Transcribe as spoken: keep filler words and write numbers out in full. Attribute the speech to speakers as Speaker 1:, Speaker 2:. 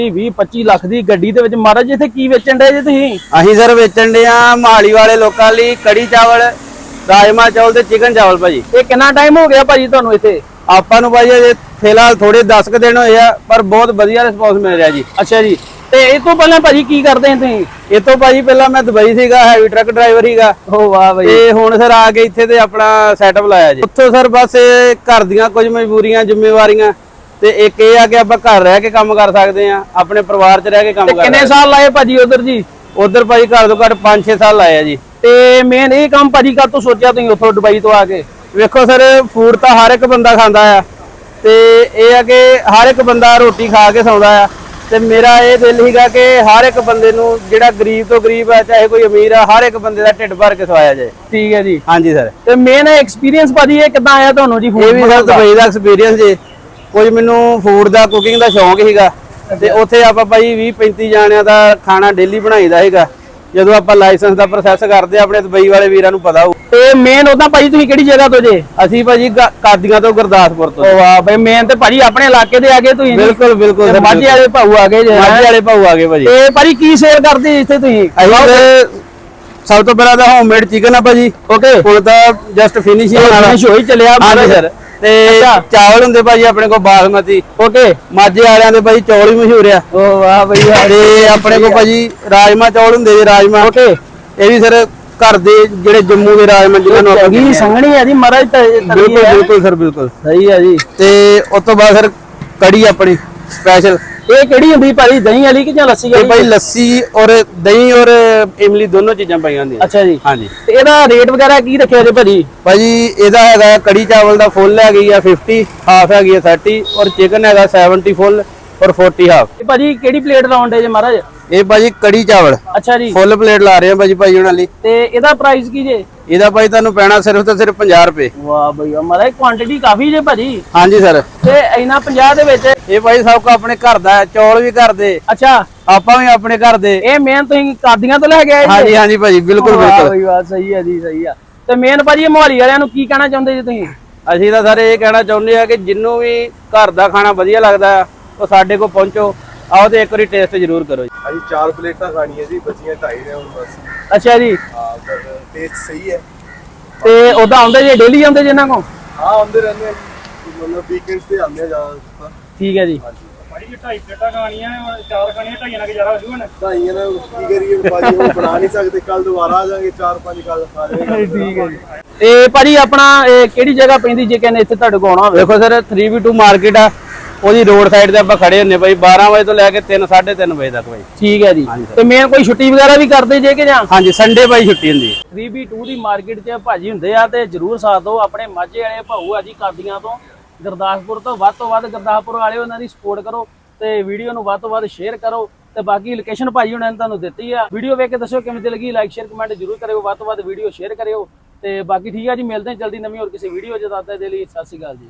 Speaker 1: ਵੀਹ ਪੱਚੀ ਲੱਖ ਦੀ ਗੱਡੀ ਦੇ ਵਿੱਚ ਮਹਾਰਾਜ ਇੱਥੇ ਕੀ ਵੇਚਣ ਦੇ ਜੇ ਤੁਸੀਂ?
Speaker 2: ਅਸੀਂ ਸਰ ਵੇਚਣ ਦੇ ਆ ਮਹਾਲੀ ਵਾਲੇ ਲੋਕਾਂ ਲਈ ਕੜੀ ਚਾਵਲ, ਰਾਜਮਾ ਚਾਵਲ ਤੇ ਚਿਕਨ ਚਾਵਲ ਭਾਜੀ।
Speaker 1: ਇਹ ਕਿੰਨਾ ਟਾਈਮ ਹੋ ਗਿਆ ਭਾਜੀ ਤੁਹਾਨੂੰ ਇੱਥੇ?
Speaker 2: ਆਪਾਂ ਨੂੰ ਭਾਜੀ ਅਜੇ ਫਿਲਹਾਲ ਥੋੜੇ ਦਸ ਕੁ ਦਿਨ ਹੋਏ ਆ, ਪਰ ਬਹੁਤ ਵਧੀਆ ਰਿਸਪੌਂਸ ਮਿਲ ਰਿਹਾ ਜੀ।
Speaker 1: ਅੱਛਾ ਜੀ, ਤੇ ਇਹ ਤੋਂ ਪਹਿਲਾਂ ਭਾਜੀ ਕੀ ਕਰਦੇ ਸੀ ਤੁਸੀਂ?
Speaker 2: ਇਹ ਤੋਂ ਭਾਜੀ ਪਹਿਲਾਂ ਮੈਂ ਦੁਬਈ ਸੀਗਾ, ਹੈਵੀ ਟਰੱਕ ਡਰਾਈਵਰ ਸੀਗਾ।
Speaker 1: ਓ ਵਾਹ ਭਾਈ।
Speaker 2: ਤੇ ਹੁਣ ਸਰ ਆ ਕੇ ਇੱਥੇ ਤੇ ਆਪਣਾ ਸੈਟਅਪ ਲਾਇਆ ਜੀ। ਉੱਥੋਂ ਸਰ ਬਸ ਘਰ ਦੀਆਂ ਕੁਝ ਮਜਬੂਰੀਆਂ ਜ਼ਿੰਮੇਵਾਰੀਆਂ ਤੇ ਇੱਕ ਇਹ ਆ ਕਿ ਆਪਾਂ ਘਰ ਰਹਿ ਕੇ ਕੰਮ ਕਰ ਸਕਦੇ ਆ, ਆਪਣੇ ਪਰਿਵਾਰ 'ਚ ਰਹਿ ਕੇ ਕੰਮ ਕਰ ਸਕਦੇ।
Speaker 1: ਕਿੰਨੇ ਸਾਲ ਲਾਏ ਭਾਜੀ ਉਧਰ ਜੀ?
Speaker 2: ਉਧਰ ਭਾਜੀ ਘਰ ਤੋਂ ਘੱਟ ਪੰਜ ਛੇ ਸਾਲ ਲਾਏ ਆ ਜੀ।
Speaker 1: ਤੇ ਮੇਨ ਇਹ ਕੰਮ ਭਾਜੀ ਕਦ ਤੋਂ ਸੋਚਿਆ ਤੁਸੀਂ ਉੱਥੋਂ ਦੁਬਈ ਤੋਂ ਆ ਕੇ?
Speaker 2: ਵੇਖੋ ਸਰ, ਫੂਡ ਤਾਂ ਹਰ ਇੱਕ ਬੰਦਾ ਖਾਂਦਾ ਆ, ਤੇ ਇਹ ਆ ਕਿ ਹਰ ਇੱਕ ਬੰਦਾ ਰੋਟੀ ਖਾ ਕੇ ਸੌਂਦਾ ਆ, ਤੇ ਮੇਰਾ ਇਹ ਦਿਲ ਸੀਗਾ ਕਿ ਹਰ ਇੱਕ ਬੰਦੇ ਨੂੰ ਜਿਹੜਾ ਗਰੀਬ ਤੋਂ ਗਰੀਬ ਆ ਚਾਹੇ ਕੋਈ ਅਮੀਰ ਆ, ਹਰ ਇੱਕ ਬੰਦੇ ਦਾ ਢਿੱਡ ਭਰ ਕੇ ਖਵਾਇਆ ਜਾਏ।
Speaker 1: ਠੀਕ ਹੈ ਜੀ।
Speaker 2: ਹਾਂਜੀ ਸਰ।
Speaker 1: ਤੇ ਮੇਨ ਐਕਸਪੀਰੀਅੰਸ ਭਾਜੀ ਇਹ ਕਿੱਦਾਂ ਆਇਆ ਤੁਹਾਨੂੰ ਜੀ?
Speaker 2: ਇਹ ਵੀ ਸਰ ਦੁਬਈ ਦਾ ਐਕਸਪੀਰੀਅੰਸ ਜੀ। ਕੁਝ ਮੈਨੂੰ ਫੂਡ ਦਾ, ਕੁਕਿੰਗ ਦਾ ਸ਼ੌਂਕ ਸੀਗਾ, ਤੇ ਉੱਥੇ ਆਪਾਂ ਭਾਈ ਵੀਹ ਪੈਂਤੀ ਜਾਣਿਆਂ ਦਾ ਖਾਣਾ ਡੇਲੀ ਬਣਾਈਦਾ ਸੀਗਾ। ਜਦੋਂ ਆਪਾਂ ਲਾਇਸੈਂਸ ਦਾ ਪ੍ਰੋਸੈਸ ਕਰਦੇ ਆਪਣੇ ਦੁਬਈ ਵਾਲੇ ਵੀਰਾਂ ਨੂੰ ਪਤਾ ਹੋਊ।
Speaker 1: ਤੇ ਮੇਨ ਉਦਾਂ ਭਾਜੀ ਤੁਸੀਂ ਕਿਹੜੀ ਜਗ੍ਹਾ ਤੋਂ ਜੇ?
Speaker 2: ਅਸੀਂ ਭਾਜੀ ਕਾਦੀਆਂ ਤੋਂ, ਗੁਰਦਾਸਪੁਰ ਤੋਂ।
Speaker 1: ਓ ਵਾਹ ਬਈ, ਮੇਨ ਤੇ ਭਾਜੀ ਆਪਣੇ ਇਲਾਕੇ ਦੇ ਆ ਗਏ ਤੁਸੀਂ।
Speaker 2: ਬਿਲਕੁਲ ਬਿਲਕੁਲ।
Speaker 1: ਮਾਝੇ ਵਾਲੇ ਭਾਊ ਆ ਗਏ ਜੇ।
Speaker 2: ਮਾਝੇ ਵਾਲੇ ਭਾਊ ਆ ਗਏ ਭਾਜੀ।
Speaker 1: ਤੇ ਭਾਜੀ ਕੀ ਸੇਲ ਕਰਦੇ ਇੱਥੇ ਤੁਸੀਂ?
Speaker 2: ਅਸੀਂ ਸਭ ਤੋਂ ਪਹਿਲਾਂ ਤਾਂ ਹੋਮਮੇਡ ਚਿਕਨ ਆ ਭਾਜੀ।
Speaker 1: ਓਕੇ,
Speaker 2: ਹੁਣ ਤਾਂ ਜਸਟ ਫਿਨਿਸ਼ ਹੀ ਹੋਣਾ
Speaker 1: ਹੋਈ ਚੱਲਿਆ।
Speaker 2: ਹਾਂਜੀ ਸਰ। ਤੇ ਚਾਵਲ ਹੁੰਦੇ ਭਾਜੀ ਆਪਣੇ ਕੋਲ ਬਾਸਮਤੀ।
Speaker 1: ਓਕੇ,
Speaker 2: ਮਾਝੇ ਵਾਲਿਆਂ ਦੇ ਭਾਜੀ ਚੌਲ ਵੀ ਮਸ਼ਹੂਰ ਆ।
Speaker 1: ਓ ਵਾਹ ਬਈ।
Speaker 2: ਤੇ ਆਪਣੇ ਕੋਲ ਭਾਜੀ ਰਾਜਮਾ ਚੌਲ ਹੁੰਦੇ ਜੀ, ਰਾਜਮਾ।
Speaker 1: ਓਕੇ,
Speaker 2: ਇਹ ਵੀ ਸਰ ਘਰ ਦੇ ਜਿਹੜੇ ਜੰਮੂ ਦੇ ਰਾਜਮਾ ਜਿਹਨਾਂ ਨੂੰ
Speaker 1: ਚੰਗੀ ਸੰਘਣੀ ਆ ਜੀ ਮਹਾਰਾਜ।
Speaker 2: ਬਿਲਕੁਲ ਬਿਲਕੁਲ ਸਰ, ਬਿਲਕੁਲ
Speaker 1: ਸਹੀ ਆ ਜੀ।
Speaker 2: ਤੇ ਉਸ ਤੋਂ ਬਾਅਦ ਸਰ ਕੜੀ ਆਪਣੀ ਸਪੈਸ਼ਲ।
Speaker 1: ਇਹ ਕਿਹੜੀ ਹੁੰਦੀ ਭਾਜੀ, ਦਹੀਂ ਵਾਲੀ ਕਿ ਜਾਂ ਲੱਸੀ ਵਾਲੀ?
Speaker 2: ਇਹ ਭਾਈ ਲੱਸੀ ਔਰ ਦਹੀਂ ਔਰ ਇਮਲੀ ਦੋਨੋਂ ਚੀਜ਼ਾਂ ਪਾਈਆਂ ਹੁੰਦੀਆਂ।
Speaker 1: ਅੱਛਾ ਜੀ।
Speaker 2: ਹਾਂਜੀ।
Speaker 1: ਤੇ ਇਹਦਾ ਰੇਟ ਵਗੈਰਾ ਕੀ ਰੱਖਿਆ ਜੀ ਭਾਜੀ?
Speaker 2: ਭਾਜੀ ਇਹਦਾ ਹੈਗਾ ਕੜੀ ਚਾਵਲ ਦਾ ਫੁੱਲ ਹੈਗੀ ਆ ਪਚਾਸ, ਹਾਫ ਹੈਗੀ ਆ ਸਾਠ, ਔਰ ਚਿਕਨ ਹੈਗਾ ਸੱਤਰ ਫੁੱਲ ਔਰ ਚਾਲੀ ਹਾਫ।
Speaker 1: ਇਹ ਭਾਜੀ ਕਿਹੜੀ ਪਲੇਟ ਲਾਉਂਦੇ ਜੇ ਮਹਾਰਾਜ?
Speaker 2: ਇਹ ਭਾਜੀ ਕੜੀ ਚਾਵਲ
Speaker 1: ਅੱਛਾ ਜੀ,
Speaker 2: ਫੁੱਲ ਪਲੇਟ ਲਾ ਰਹੇ ਆ ਭਾਜੀ ਭਾਈ ਉਹਨਾਂ ਲਈ।
Speaker 1: ਤੇ ਇਹਦਾ ਪ੍ਰਾਈਸ ਕੀ ਜੇ?
Speaker 2: ਇਹਦਾ ਭਾਈ ਤੁਹਾਨੂੰ ਪੈਣਾ ਸਿਰਫ ਤੇ ਸਿਰਫ ਪੰਜਾਹ ਰੁਪਏ।
Speaker 1: ਵਾਹ ਬਈ ਮਹਾਰਾਜ, ਕੁਆਂਟੀਟੀ ਕਾਫੀ ਜੇ ਭਾਜੀ।
Speaker 2: ਹਾਂਜੀ ਸਰ।
Speaker 1: ਤੇ ਇਹਨਾਂ ਪੰਜਾਹ ਦੇ ਵਿੱਚ
Speaker 2: ਇਹ ਭਾਈ ਸਭ ਕੋ ਆਪਣੇ ਘਰ ਦਾ, ਚੌਲ ਵੀ ਘਰ ਦੇ,
Speaker 1: ਅੱਛਾ
Speaker 2: ਆਪਾਂ ਵੀ ਆਪਣੇ ਘਰ ਦੇ।
Speaker 1: ਇਹ ਮੇਨ ਤੁਸੀਂ ਕਾਦੀਆਂ ਤੋਂ ਲੈ ਕੇ ਆਏ ਜੀ?
Speaker 2: ਹਾਂਜੀ ਹਾਂਜੀ ਭਾਜੀ, ਬਿਲਕੁਲ
Speaker 1: ਵਾਹ
Speaker 2: ਬਿਲਕੁਲ।
Speaker 1: ਬਈ ਵਾਹ, ਸਹੀ ਹੈ ਜੀ, ਸਹੀ ਆ। ਤੇ ਮੇਨ ਭਾਜੀ ਮੋਹਾਲੀ ਵਾਲਿਆਂ ਨੂੰ ਕੀ ਕਹਿਣਾ ਚਾਹੁੰਦੇ ਜੀ ਤੁਸੀਂ?
Speaker 2: ਅਸੀਂ ਤਾਂ ਸਾਰੇ ਇਹ ਕਹਿਣਾ ਚਾਹੁੰਦੇ ਆ ਕਿ ਜਿੰਨੂੰ ਵੀ ਘਰ ਦਾ ਖਾਣਾ ਵਧੀਆ ਲੱਗਦਾ ਉਹ ਸਾਡੇ ਕੋਲ ਪਹੁੰਚੋ, ਆਓ ਤੇ ਇੱਕ ਵਾਰੀ ਟੇਸਟ ਜ਼ਰੂਰ ਕਰੋ ਜੀ।
Speaker 3: ਅਸੀਂ ਚਾਰ ਪਲੇਟਾਂ ਖਾਣੀਆਂ ਜੀ, ਬੱਚੀਆਂ ਢਾਈ ਨੇ ਹੁਣ ਬਸ।
Speaker 1: ਅੱਛਾ ਜੀ।
Speaker 3: ਹਾਂ, ਪਰ ਟੇਸਟ ਸਹੀ ਹੈ।
Speaker 1: ਤੇ ਉਦਾਂ ਆਉਂਦੇ ਜੇ, ਡੇਲੀ ਆਉਂਦੇ ਜੇ ਇਹਨਾਂ ਕੋ?
Speaker 3: ਹਾਂ, ਆਉਂਦੇ ਰਹਿੰਦੇ ਆ, ਮਤਲਬ ਵੀਕਐਂਡਸ ਤੇ ਆਉਂਦੇ ਆ ਜ਼ਿਆਦਾ।
Speaker 1: ਠੀਕ ਹੈ ਜੀ।
Speaker 4: ਭਾਈ ਜੀ ਢਾਈ ਪਲੇਟਾਂ ਖਾਣੀਆਂ ਨੇ, ਹੁਣ ਚਾਰ ਖਾਣੀਆਂ, ਢਾਈਆਂ ਨਾਲ ਗੁਜ਼ਾਰਾ ਹੋ ਜੂਗਾ ਨਾ।
Speaker 3: ਢਾਈਆਂ ਨਾਲ ਕੀ ਕਰੀਏ ਭਾਜੀ, ਉਹ ਬਣਾ ਨਹੀਂ ਸਕਦੇ। ਕੱਲ ਦੁਬਾਰਾ ਆ ਜਾਾਂਗੇ, ਚਾਰ ਪੰਜ ਕੱਲ ਖਾ ਜਾਵਾਂਗੇ।
Speaker 1: ਠੀਕ ਹੈ ਜੀ। ਤੇ ਭਾਜੀ ਆਪਣਾ ਇਹ ਕਿਹੜੀ ਜਗ੍ਹਾ ਪੈਂਦੀ ਜੇ ਕਹਿੰਦੇ ਇੱਥੇ ਤੁਹਾਡੇ ਕੋਲ ਆਉਣਾ ਹੋਵੇ?
Speaker 2: ਵੇਖੋ sir, three B two market ਆ, ਉਹਦੀ ਰੋਡ ਸਾਈਡ ਤੇ ਆਪਾਂ ਖੜੇ ਹੁੰਨੇ ਭਾਈ ਬਾਰਾਂ ਵਜੇ ਤੋਂ ਲੈ ਕੇ ਤਿੰਨ ਸਾਢੇ ਤਿੰਨ ਵਜੇ ਤੱਕ ਭਾਈ।
Speaker 1: ਠੀਕ ਹੈ ਜੀ। ਤੇ ਮੇਨ ਕੋਈ ਛੁੱਟੀ ਵਗੈਰਾ ਵੀ ਕਰਦੇ ਜੇ ਕਿ ਜਾਂ?
Speaker 2: ਹਾਂਜੀ, ਸੰਡੇ ਭਾਈ ਛੁੱਟੀ ਹੁੰਦੀ।
Speaker 1: ਥ੍ਰੀ ਬੀ ਟੂ ਦੀ ਮਾਰਕੀਟ 'ਚ ਭਾਜੀ ਹੁੰਦੇ ਆ, ਤੇ ਜਰੂਰ ਸਾਥ ਦਿਓ। ਆਪਣੇ ਮਾਝੇ ਵਾਲੇ ਭਾਊ ਆ ਜੀ, ਕਾਦੀਆਂ ਤੋਂ, ਗੁਰਦਾਸਪੁਰ ਤੋਂ। ਵੱਧ ਤੋਂ ਵੱਧ ਗੁਰਦਾਸਪੁਰ ਵਾਲੇ ਉਹਨਾਂ ਦੀ ਸਪੋਰਟ ਕਰੋ, ਤੇ ਵੀਡੀਓ ਨੂੰ ਵੱਧ ਤੋਂ ਵੱਧ ਸ਼ੇਅਰ ਕਰੋ। ਤੇ ਬਾਕੀ ਲੋਕੇਸ਼ਨ ਭਾਜੀ ਉਹਨਾਂ ਨੇ ਤੁਹਾਨੂੰ ਦਿੱਤੀ ਆ। ਵੀਡੀਓ ਵੇਖ ਕੇ ਦੱਸਿਓ ਕਿਵੇਂ ਦੀ ਲੱਗੀ, ਲਾਈਕ ਸ਼ੇਅਰ ਕਮੈਂਟ ਜਰੂਰ ਕਰਿਓ, ਵੱਧ ਤੋਂ ਵੱਧ ਵੀਡੀਓ ਸ਼ੇਅਰ ਕਰਿਓ। ਤੇ ਬਾਕੀ ਠੀਕ ਆ ਜੀ, ਮਿਲਦੇ ਹਾਂ ਜਲਦੀ ਨਵੀਂ ਹੋਰ ਕਿਸੇ ਵੀਡੀਓ 'ਚ। ਤਦ ਤੱਕ ਦੇ ਲਈ ਸਤਿ ਸ਼੍ਰੀ ਅਕਾਲ ਜੀ।